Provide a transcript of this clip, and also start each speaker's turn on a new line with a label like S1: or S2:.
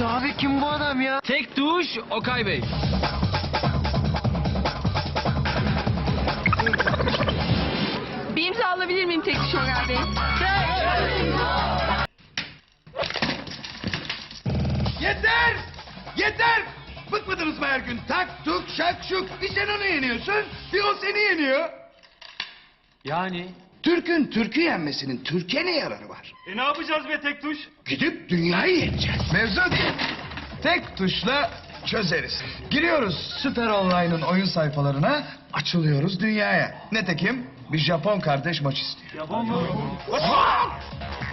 S1: Abi kim bu adam ya?
S2: Tek tuş Okay Bey.
S3: Bir imza alabilir miyim tek tuş Ömer Bey?
S4: Yeter! Yeter! Bıkmadınız mı her gün? Tak tuk şak şuk. Bir sen onu yeniyorsun, bir o seni yeniyor.
S2: Yani?
S4: Türk'ün Türk'ü yenmesinin Türkiye ne yararı var?
S5: Ne yapacağız be tek tuş?
S4: Gidip dünyayı yeneceğiz. Mevzu değil. Tek tuşla çözeriz. Giriyoruz Süper Online'ın oyun sayfalarına, açılıyoruz dünyaya. Netekim bir Japon kardeş maç istiyor.
S5: Japon mu?